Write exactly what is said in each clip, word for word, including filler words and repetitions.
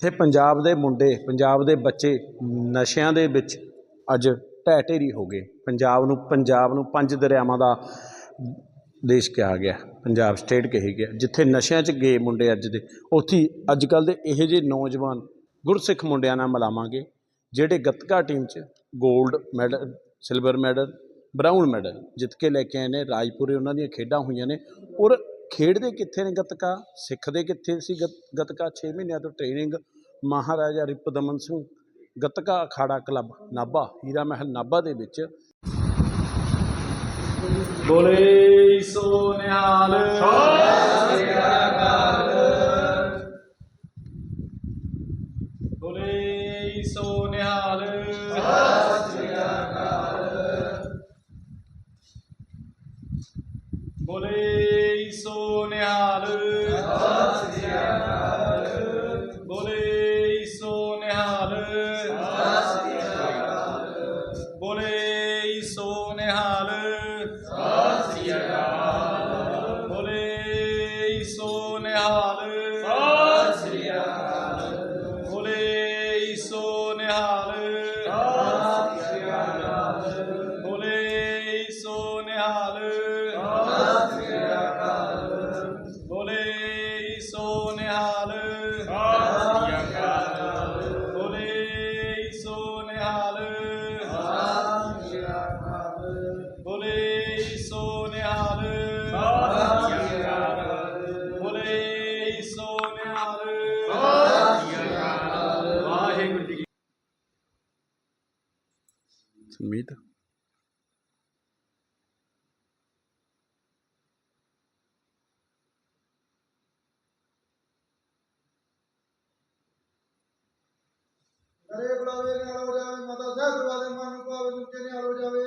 जिथे पंजाब दे मुंडे पंजाब दे बच्चे नशिਆਂ ਦੇ ਵਿੱਚ ਅੱਜ ਢਹਿ ਢੇਰੀ हो गए। पंजाब ਨੂੰ पंजाब ਨੂੰ पंज दरियावां ਦਾ देश कहा गया, पंजाब स्टेट कही गया, जिथे नशिਆਂ 'ਚ गए मुंडे अज दे उत्थे अज कल दे इहो ਜਿਹੇ नौजवान गुरसिख मुंडिਆਂ ਨਾਲ मिलावांगे ਜਿਹੜੇ गतका टीम 'ਚ gold medal silver medal brown medal जित के लैके आए ने। राजपुरे उन्हों दी खेडां होईयां ने और खेडदे कित्थे ने गतका, सिखदे कित्थे सी गतका। छे महीनों तो ट्रेनिंग महाराजा रिपुदमन सिंह गतका अखाड़ा क्लब नाभा हीरा महल नाभा दे विच। बोले सो निहाल बोले सो निहाल बोले सो निहाल बोले सो निहाल बोले सो निहाल बोले सो निहाल बोले सो निहाल बोले सो निहाल बोले सो निहाल बोले सो निहाल बोले सो निहाल बोले सो निहाल वाहिगुरू जी। सुमीत अरे बुलावे निहाल हो जावे, माता साहब दरवाजे मन को आवे नीचे निहाल हो जावे।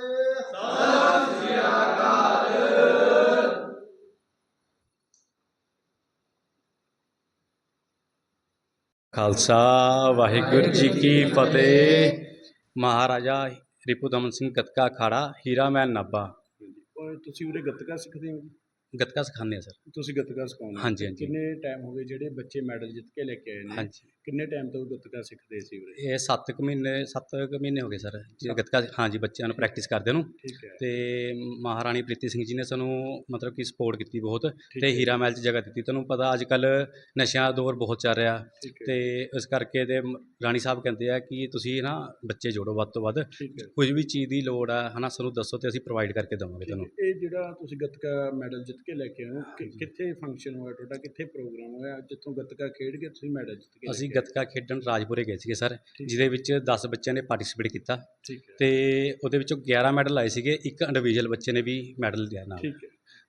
खालसा वाहिगुरू जी की फतेह। महाराजा रिपुदमन सिंह गतका अखाड़ा हीरा महल नाभा। ਤੁਸੀਂ ਉਰੇ ਗੱਤਕਾ ਸਿੱਖਦੇ ਹੋ? गतका सिखाने सर। ਤੁਸੀਂ ਗੱਤਕਾ ਸਿਖਾਉਂਦੇ हाँ जी हाँ जी ਕਿੰਨੇ ਟਾਈਮ ਹੋ ਗਏ ਜਿਹੜੇ ਬੱਚੇ ਮੈਡਲ ਜਿੱਤ ਕੇ ਲੈ ਕੇ ਆਏ ਨੇ? हाँ जी। ਕਿੰਨੇ ਟਾਈਮ ਤੋਂ ਗੱਤਕਾ ਸਿੱਖਦੇ ਸੀ ਉਰੇ? ये सत्त कुछ महीने सत्त कुछ महीने हो गए सर जी गतका। हाँ जी बच्चों ਨੂੰ प्रैक्टिस करदे ਨੂੰ। ਠੀਕ ਹੈ ਤੇ ਮਹਾਰਾਣੀ ਪ੍ਰੀਤੀ ਸਿੰਘ ਜੀ ਨੇ ਸਾਨੂੰ ਮਤਲਬ ਕਿ ਸਪੋਰਟ ਕੀਤੀ ਬਹੁਤ ਤੇ ਹੀਰਾ ਮਹਿਲ 'ਚ ਜਗ੍ਹਾ ਦਿੱਤੀ। ਤੁਹਾਨੂੰ ਪਤਾ ਅੱਜ ਕੱਲ੍ਹ ਨਸ਼ਿਆਂ ਦਾ ਦੌਰ ਬਹੁਤ ਚੱਲ ਰਿਹਾ ਠੀਕ ਹੈ ਤੇ ਇਸ ਕਰਕੇ ਤੇ ਰਾਣੀ ਸਾਹਿਬ ਕਹਿੰਦੇ ਆ ਕਿ ਤੁਸੀਂ ਨਾ ਬੱਚੇ ਜੋੜੋ ਵੱਧ ਤੋਂ ਵੱਧ, ਠੀਕ ਹੈ। ਕੁਝ ਵੀ ਚੀਜ਼ ਦੀ ਲੋੜ ਆ ਹੈ ਨਾ ਸਾਨੂੰ ਦੱਸੋ ਤੇ ਅਸੀਂ ਪ੍ਰੋਵਾਈਡ ਕਰਕੇ ਦੇਵਾਂਗੇ ਤੁਹਾਨੂੰ। ਇਹ ਜਿਹੜਾ ਤੁਸੀਂ ਗੱਤਕਾ ਮੈਡਲ ਜਿੱਤ ਕੇ ਲੈ ਕੇ ਆਏ ਹੋ ਕਿ- ਕਿੱਥੇ ਫੰਕਸ਼ਨ ਹੋਇਆ ਤੁਹਾਡਾ, ਕਿੱਥੇ ਪ੍ਰੋਗਰਾਮ ਹੋਇਆ ਜਿੱਥੋਂ ਗੱਤਕਾ ਖੇਡ ਕੇ ਤੁਸੀਂ ਮੈਡਲ ਜਿੱਤ ਕੇ ਲੈ ਅਸੀਂ ਕੇ ਆਏ? ਗੱਤਕਾ ਖੇਡਣ ਰਾਜਪੁਰੇ ਗਏ ਸੀਗੇ ਸਰ, ਠੀਕ। ਜਿਹਦੇ ਵਿੱਚ ਦਸ ਬੱਚਿਆਂ ਨੇ ਪਾਰਟਿਸਿਪੇਟ ਕੀਤਾ ਠੀਕ ਹੈ ਤੇ ਉਹਦੇ ਵਿੱਚੋਂ ਗਿਆਰਾਂ ਮੈਡਲ ਆਏ ਸੀਗੇ, ਇੱਕ ਇੰਡੀਵਿਜੂਅਲ ਬੱਚੇ ਨੇ ਵੀ ਮੈਡਲ ਲਿਆ ਨਾਲ। ਠੀਕ ਹੈ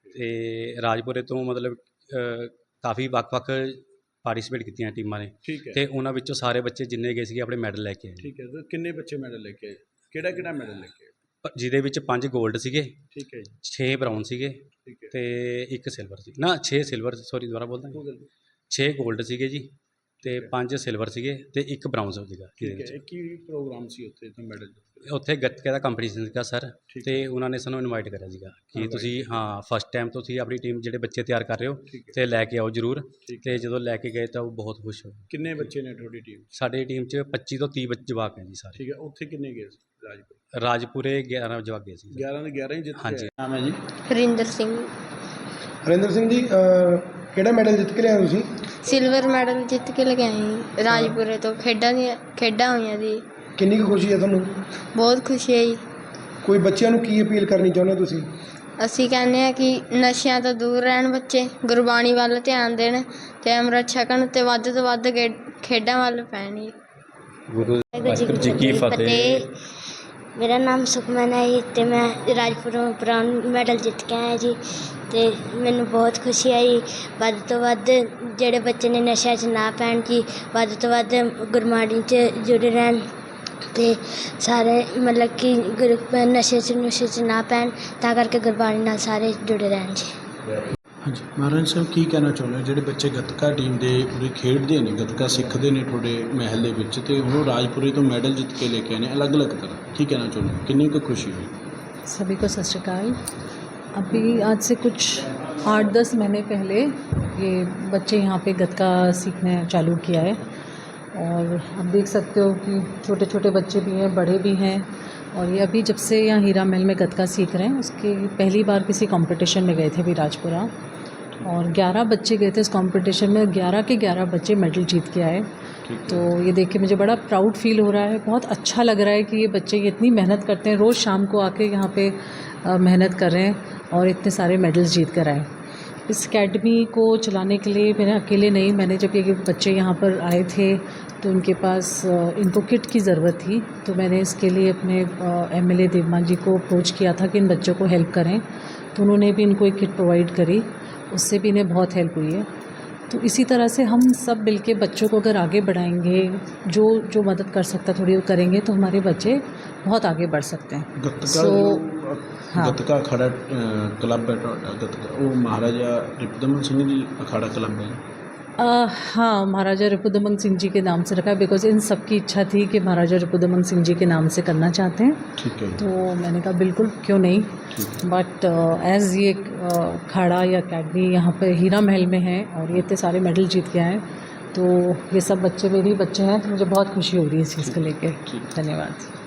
ਤੇ ਰਾਜਪੁਰੇ ਤੋਂ ਮਤਲਬ ਅ, ਕਾਫੀ ਵੱਖ-ਵੱਖ ਪਾਰਟਿਸਿਪੇਟ ਕੀਤੀਆਂ ਟੀਮਾਂ ਨੇ ਠੀਕ ਹੈ ਤੇ ਉਹਨਾਂ ਵਿੱਚੋਂ ਸਾਰੇ ਬੱਚੇ ਜਿੰਨੇ ਗਏ ਸੀਗੇ ਆਪਣੇ ਮੈਡਲ ਲੈ ਕੇ ਆਏ। ਠੀਕ ਹੈ। ਤੇ ਕਿੰਨੇ ਬੱਚੇ ਮੈਡਲ ਲੈ ਕੇ ਆਏ? ਕਿਹੜਾ ਕਿਹੜਾ ਮੈਡਲ ਲੈ ਕੇ ਆਏ? ਪ- ਜਿਹਦੇ ਵਿੱਚ ਪੰਜ 골ਡ ਸੀਗੇ, ਠੀਕ ਹੈ ਜੀ ਛੇ ਬਰਾਊਨ ਸੀਗੇ ਠੀਕ ਹੈ। ਤੇ ਇੱਕ ਸਿਲਵਰ ਸੀ ਨਾ ਛੇ ਸਿਲਵਰ ਸੌਰੀ ਦੁਬਾਰਾ ਬੋਲਦਾ ਕੋਈ ਗੱਲ ਨਹੀਂ। ਛੇ 골ਡ ਸੀਗੇ ਜੀ ਤੇ ਠੀਕ ਹੈ। ਪੰਜ ਸਿਲਵਰ ਸੀਗੇ ਤੇ ਇੱਕ ਬਰਾਊਨ ਸੀਗਾ ਜਿਹਦੇ ਠੀਕ ਹੈ। ਵਿੱਚ। ਇਹ ਕੀ ਪ੍ਰੋਗਰਾਮ ਸੀ ਉੱਥੇ ਤਾਂ ਮੈਡਲ ਜਿੱਤ ਕੇ? ਉੱਥੇ ਗੱਤਕੇ ਦਾ ਕੰਪੀਟੀਸ਼ਨ ਸੀਗਾ ਸਰ ਠੀਕ ਤੇ ਉਹਨਾਂ ਨੇ ਸਾਨੂੰ ਇਨਵਾਈਟ ਕਰਿਆ ਸੀਗਾ ਕਿ Invite ਤੁਸੀਂ ਹਾਂ ਫਸਟ ਟਾਈਮ ਤੁਸੀਂ ਆਪਣੀ ਟੀਮ ਜਿਹੜੇ ਬੱਚੇ ਤਿਆਰ ਕਰ ਰਹੇ ਹੋ ਠੀਕ ਹੈ ਤੇ ਲੈ ਕੇ ਆਓ ਜ਼ਰੂਰ। ਠੀਕ ਤੇ ਜਦੋਂ ਲੈ ਕੇ ਗਏ ਤਾਂ ਉਹ ਬਹੁਤ ਖੁਸ਼ ਹੋਏ। ਕਿੰਨੇ ਬੱਚੇ ਨੇ ਤੁਹਾਡੀ ਟੀਮ? ਸਾਡੀ ਟੀਮ 'ਚ ਪੱਚੀ ਤੋਂ ਤੀਹ ਬੱਚੇ ਜਵਾਕ ਹੈ ਜੀ ਸਾਰੇ। ਠੀਕ ਹੈ। ਉੱਥੇ ਕਿੰਨੇ ਗਏ ਸੀ ਰਾਜਪੁਰ? ਰਾਜਪੁਰੇ ਗਿਆਰਾਂ ਜਵਾਕ ਗਏ ਸੀ। ਗਿਆਰਾਂ ਦੇ ਗਿਆਰਾਂ ਹੀ ਜਿੱਤ ਕੇ ਹਾਂਜੀ। ਆਏ। ਨਾਮ ਹੈ ਜੀ? ਹਰਿੰਦਰ ਸਿੰਘ। ਹਰਿੰਦਰ ਸਿੰਘ ਜੀ ਅਹ, ਕਿਹੜਾ ਮੈਡਲ ਜਿੱਤ ਕੇ ਲਿਆਏ ਤੁਸੀਂ? ਸਿਲਵਰ ਮੈਡਲ ਜਿੱਤ ਕੇ ਲੈ ਕੇ ਆਏ ਰਾਜਪੁਰੇ ਤੋਂ। ਖੇਡਾਂ ਦੀਆਂ ਖੇਡਾਂ ਹੋਈਆਂ ਜੀ, ਕਿੰਨੀ ਕੁ ਖੁਸ਼ੀ ਹੈ ਤੁਹਾਨੂੰ? ਬਹੁਤ ਖੁਸ਼ੀ ਹੈ ਜੀ। ਕੋਈ ਬੱਚਿਆਂ ਨੂੰ ਕੀ ਅਪੀਲ ਕਰਨੀ ਚਾਹੁੰਦੇ ਹੋ ਤੁਸੀਂ? ਅਸੀਂ ਕਹਿੰਦੇ ਹਾਂ ਕਿ ਨਸ਼ਿਆਂ ਤੋਂ ਦੂਰ ਰਹਿਣ ਬੱਚੇ, ਗੁਰਬਾਣੀ ਵੱਲ ਧਿਆਨ ਦੇਣ ਅਤੇ ਅੰਮ੍ਰਿਤ ਛਕਣ ਅਤੇ ਵੱਧ ਤੋਂ ਵੱਧ ਗੇ ਖੇਡਾਂ ਵੱਲ ਪੈਣ ਜੀ। ਵਾਹਿਗੁਰੂ ਜੀ ਕੀ ਫਤਿਹ। ਮੇਰਾ ਨਾਮ ਸੁਖਮਨ ਹੈ ਜੀ ਅਤੇ ਮੈਂ ਰਾਜਪੁਰੋਂ ਬਰਾਊਨ ਮੈਡਲ ਜਿੱਤ ਕੇ ਆਇਆ ਜੀ ਅਤੇ ਮੈਨੂੰ ਬਹੁਤ ਖੁਸ਼ੀ ਆਈ। ਵੱਧ ਤੋਂ ਵੱਧ ਜਿਹੜੇ ਬੱਚੇ ਨੇ ਨਸ਼ਿਆਂ 'ਚ ਨਾ ਪੈਣ ਜੀ, ਵੱਧ ਤੋਂ ਵੱਧ ਗੁਰਬਾਣੀ 'ਚ ਜੁੜੇ ਰਹਿਣ ਅਤੇ ਸਾਰੇ ਮਤਲਬ ਕਿ ਗੁਰ ਨਸ਼ੇ 'ਚ ਨੁਸ਼ੇ 'ਚ ਨਾ ਪੈਣ, ਤਾਂ ਕਰਕੇ ਗੁਰਬਾਣੀ ਨਾਲ ਸਾਰੇ ਜੁੜੇ ਰਹਿਣ ਜੀ। ਹਾਂਜੀ ਮਹਾਰਾਜ ਸਾਹਿਬ, ਕੀ ਕਹਿਣਾ ਚਾਹੁੰਦੇ ਹੋ ਜਿਹੜੇ ਬੱਚੇ ਗੱਤਕਾ ਟੀਮ ਦੇ ਪੂਰੇ ਖੇਡਦੇ ਨੇ, ਗੱਤਕਾ ਸਿੱਖਦੇ ਨੇ ਤੁਹਾਡੇ ਮਹਿਲ ਦੇ ਵਿੱਚ ਅਤੇ ਉਹ ਰਾਜਪੁਰੇ ਤੋਂ ਮੈਡਲ ਜਿੱਤ ਕੇ ਲੈ ਕੇ ਆਏ ਨੇ ਅਲੱਗ ਅਲੱਗ ਤਰ੍ਹਾਂ, ਕੀ ਕਹਿਣਾ ਚਾਹੁੰਦੇ ਹੋ? कितनी को खुशी हुई? सभी को सत श्री अकाल। अभी आज से कुछ आठ दस महीने पहले ये बच्चे यहाँ पे गतका सीखने चालू किया है और आप देख सकते हो कि छोटे छोटे बच्चे भी हैं, बड़े भी हैं। और ये अभी जब से यहाँ हीरा महल में गतका सीख रहे हैं, उसके पहली बार किसी कंपटीशन में गए थे अभी राजपुरा, और ग्यारह बच्चे गए थे इस कंपटीशन में, ग्यारह के ग्यारह बच्चे मेडल जीत के आए। तो ये देख के मुझे बड़ा प्राउड फील हो रहा है, बहुत अच्छा लग रहा है कि ये बच्चे ये इतनी मेहनत करते हैं, रोज़ शाम को आके यहाँ पे अ, मेहनत कर रहे हैं और इतने सारे मेडल्स जीत कर आए। इस अकेडमी को चलाने के लिए मैंने अकेले नहीं, मैंने जब ये बच्चे यहाँ पर आए थे तो उनके पास अ, इनको किट की ज़रूरत थी, तो मैंने इसके लिए अपने एमएलए देवमान जी को अप्रोच किया था कि इन बच्चों को हेल्प करें, तो उन्होंने भी इनको एक किट प्रोवाइड करी, उससे भी इन्हें बहुत हेल्प हुई है। तो इसी तरह से हम सब मिलके बच्चों को अगर आगे बढ़ाएंगे, जो जो मदद कर सकता थोड़ी वो करेंगे, तो हमारे बच्चे बहुत आगे बढ़ सकते हैं। गतका सो हाँ। गतका अखाड़ा क्लब है ਤੁਹਾਡਾ गतका वो महाराजा रिपुदमन सिंह जी अखाड़ा क्लब है। आ, हाँ, महाराजा रिपुदमन सिंह जी के नाम से रखा है, बिकॉज़ इन सब की इच्छा थी कि महाराजा रिपुदमन सिंह जी के नाम से करना चाहते हैं। ठीक है। तो मैंने कहा बिल्कुल क्यों नहीं, बट एज़ ये अखाड़ा या अकेडमी यहाँ पे हीरा महल में है और ये इतने सारे मेडल जीत के आए, तो ये सब बच्चे मेरे ही बच्चे हैं, तो मुझे बहुत खुशी हो रही है इस चीज़ को लेकर। धन्यवाद।